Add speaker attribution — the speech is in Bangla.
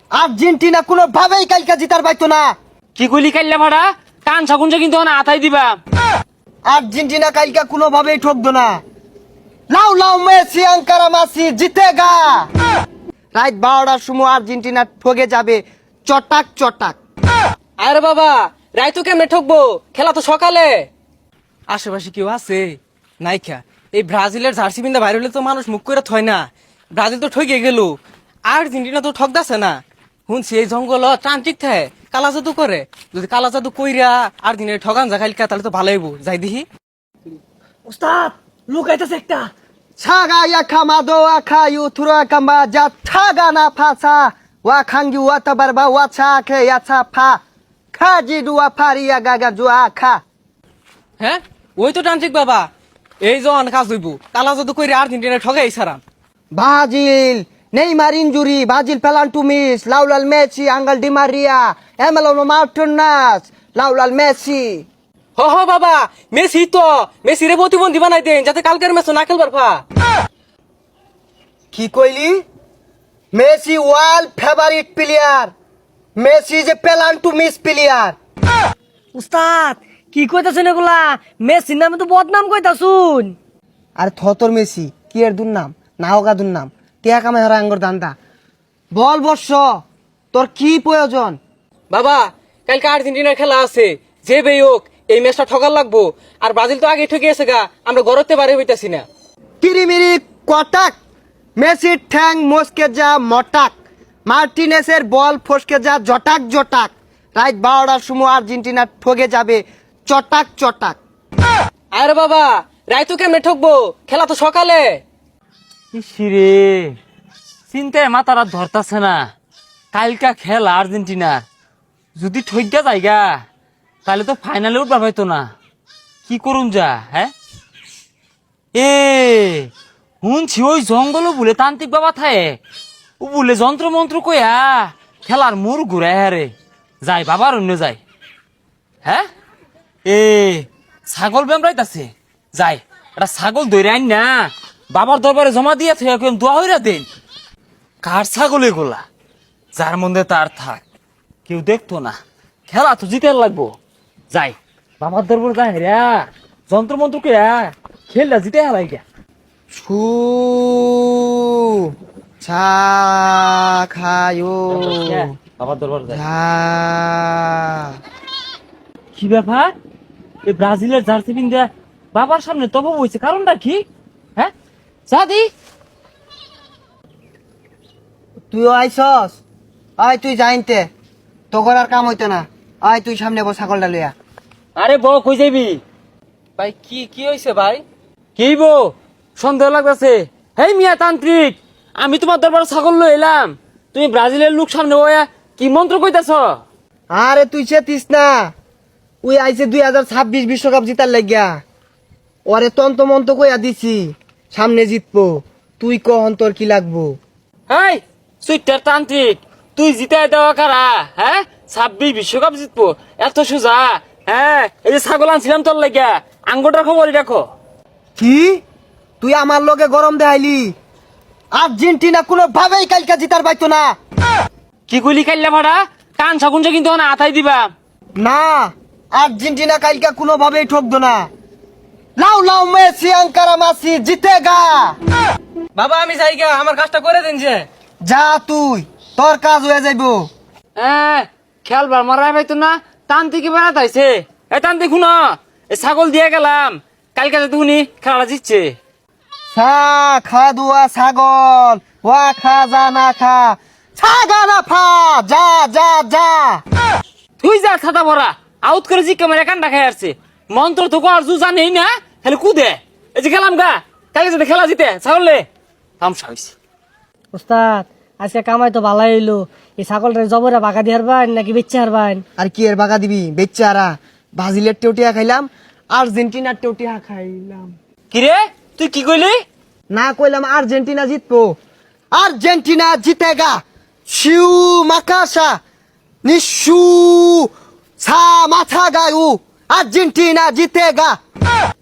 Speaker 1: আর্জেন্টিনা কোনো ভাবেই কালকে জিতার পাইতো না।
Speaker 2: কি কইলি কাইল্লা ভাড়া কান সাগুন কিন্তু না আতাই দিবা।
Speaker 1: আর্জেন্টিনা কালকে কোনো ভাবেই ঠকতো না। লাউ লাউ মেসি আঙ্কারা মাসি জিতেগা। রাত 12টার সময় আর্জেন্টিনা ঠকে যাবে চটাক চটাক।
Speaker 2: আরে বাবা রাইতো কেমনে ঠকবো, খেলা তো সকালে। আশেপাশে কেউ আছে নাইখা? এই ব্রাজিলের জার্সি পিন্দা বাইরে হলে তো মানুষ মুখ করে থয় না। ব্রাজিল তো ঠকে গেল, আর্জেন্টিনা তো ঠক দাসে না। শুনছি এই জঙ্গল ট্রান্টিক থাকে কালা জাদু করে। যদি কালা জাদু কইরা আর্জেন্টিনা ঠগান যা খাইলকা তাহলে তো ভালো হইব। যাই দেখি।
Speaker 3: উস্তাদ লুকাইতেছে একটা।
Speaker 1: ছাগা ইয়াখামাদো আখায়ু থুরা কাম্বা যা ছাগা না ফাসা ওয়া খাঙ্গি ওয়া তাবারবা ওয়া ছাকে ইয়াছা ফা খাজি দুয়া ফারিয়া গাগা জুয়া খা।
Speaker 2: হ্যাঁ ওই তো ট্রান্টিক বাবা, এই জন কাজ হইব কালা জাদু কইরা আর্জেন্টিনা ঠগাই সারাম।
Speaker 1: Brazil, Neymar injury, Brazil penalty miss, Laulal Messi, Angel Di Maria, Emiliano Martinez, Laulal Messi.
Speaker 2: হ হ বাবা, মেসি তো মেসিরে প্রতিবন্ধী বানাই দেন যাতে কালকের ম্যাচ না খেলবার পা।
Speaker 1: কি কইলি? Messi world favourite player, Messi যে পেনাল্টি মিস প্লেয়ার।
Speaker 3: উস্তাদ কি কইতাছেন এগুলা? মেসির নামে তো বদনাম কইতাছুন।
Speaker 1: আর থতর মেসি কি এর দুর্নাম নাওগা দুর্নাম টিয়া কামে হারা আঙ্গর দান্দা। বল বর্ষ তোর কি প্রয়োজন?
Speaker 2: বাবা কালকে আর্জেন্টিনার খেলা আছে, যে বেই হোক এই ম্যাচটা ঠকার লাগবো। আর ব্রাজিল তো আগে ঠকে গেছে গা, আমরা গড়তে পারে হইতাছি না।
Speaker 1: কিরিমিরি কটাক, মেসির ঠ্যাং মস্কে যা মটাক, মার্টিনেসের বল ফসকে যা জটাক জটাক। রাত 12টার সময় আর্জেন্টিনা ঠকে যাবে চটাক চটাক।
Speaker 2: আরে বাবা রাইতো কেমনে ঠকবো, খেলা তো সকালে।
Speaker 4: ইসিরে চিন্তায় মাথারা ধরতাছে না। কালকা খেলা আর্জেন্টিনা যদি ঠইগা যায়গা তাহলে তো ফাইনালে উঠবার পাইতো না। কি করুন যা? হ্যাঁ এ শুনছি ওই জঙ্গল বলে তান্ত্রিক বাবা থায়ে ও বলে যন্ত্র মন্ত্র কইয়া খেলার মুর ঘুরায় হারে যাই বাবার অন্য যায়। হ্যাঁ এ ছাগল বেমরাইতাছে, যাই এটা ছাগল ধরে আইন না বাবার দরবারে জমা দিয়ে দোয়া হইরা দেন। কার ছাগল এগুলা? যার মধ্যে তার থাক, কেউ দেখতো না। খেলা তো জিতে লাগবো। যাই বাবার দরবার যাই রে যন্ত্র মন্ত্র কে খেললা জিতে হেলাই গা।
Speaker 1: ছু ছা খায়ো
Speaker 4: বাবার দরবার যাই।
Speaker 1: ঝা।
Speaker 4: কি ব্যাপার? এই ব্রাজিলের জার্সি পিন্দা বাবার সামনে তব হয়েছে, কারণটা কি? হ্যাঁ সাদি
Speaker 1: তুইও আইসস? আয় তুই জাইনতে তোর আর কাম হইতে না। আয় তুই সামনে বস ছাগলটা লইয়া।
Speaker 4: আরে বউ কই যাবি?
Speaker 2: ভাই কি কি হয়েছে ভাই?
Speaker 4: কি বউ সন্দেহ লাগতেছে? হেই মিয়া তান্ত্রিক, আমি তোমার দরবার ছাগল লই এলাম, তুমি ব্রাজিলের লোক সামনে ওয়া কি মন্ত্র কইতাছ?
Speaker 1: আরে তুই চেতিস না, ওই আইছে 2026 বিশ্বকাপ জিতার লাগিয়া। ওরে তন্ত মন্ত কইয়া দিছি সামনে জিতবো। তুই কহন তোর কি লাগবো?
Speaker 4: হেই সুইটার তান্ত্রিক, তুই জিতাই দেওয়া কারা? হ্যাঁ 26 বিশ্বকাপ জিতবো এত সোজা? হ্যাঁ এই যে ছাগল আনছিলাম তোর লাগিয়া, আঙ্গুটার খবরই রাখো।
Speaker 1: কি তুই আমার লগে গরম দেখাইলি? আর্জেন্টিনা কোনো ভাবেই কালকে জিতার পাইতো না।
Speaker 4: কি কইলি কাইল্লা ভাড়া কান সাগুন কিন্তু না আতাই দিবা।
Speaker 1: না আর্জেন্টিনা কালকে কোনো ভাবেই ঠকতো না। লাউ লাউ মেসি আঙ্কারা মাসি জিতেগা।
Speaker 2: বাবা আমি যাই গা, আমার কাজটা করে দেন যে।
Speaker 1: যা তুই, তোর কাজ হয়ে যাইবো।
Speaker 4: হ্যাঁ খেলবার মারাই পাইতো না, তান্ত্রিক বেড়াত আইছে। এ তান্ত্রিক শুনো, এই ছাগল দিয়ে গেলাম, কালকে যাতে শুনি খেলাটা জিতছে।
Speaker 1: সা খা দুয়া ছাগল ওয়া খা যা না খা ছাগা না ফা যা যা যা।
Speaker 4: তুই যা ছাতা ভরা আউট করে জি ক্যামেরা কান্ডা খাই আসছে। মন্ত্র তো কর জু জানেই না, হেলে কুদে। এই যে গেলাম গা, কালকে যাতে খেলা জিতে ছাগলে তামসা হইছে।
Speaker 3: উস্তাদ আজকে কামাই তো ভালাই হইলো। এই ছাগলটা জবরে বাগা দিয়ে হারবান নাকি বেচে হারবান?
Speaker 1: আর কি এর বাগা দিবি বেচারা? ব্রাজিলের টেউটিয়া খাইলাম, আর্জেন্টিনার টেউটিয়া খাইলাম।
Speaker 4: কিরে তুই কি কইলি?
Speaker 1: না কইলাম আর্জেন্টিনা জিতবো। আর্জেন্টিনা জিতেগা। শিউ মাকাশা নিশু ছা মাথা গায়ু আর্জেন্টিনা জিতেগা।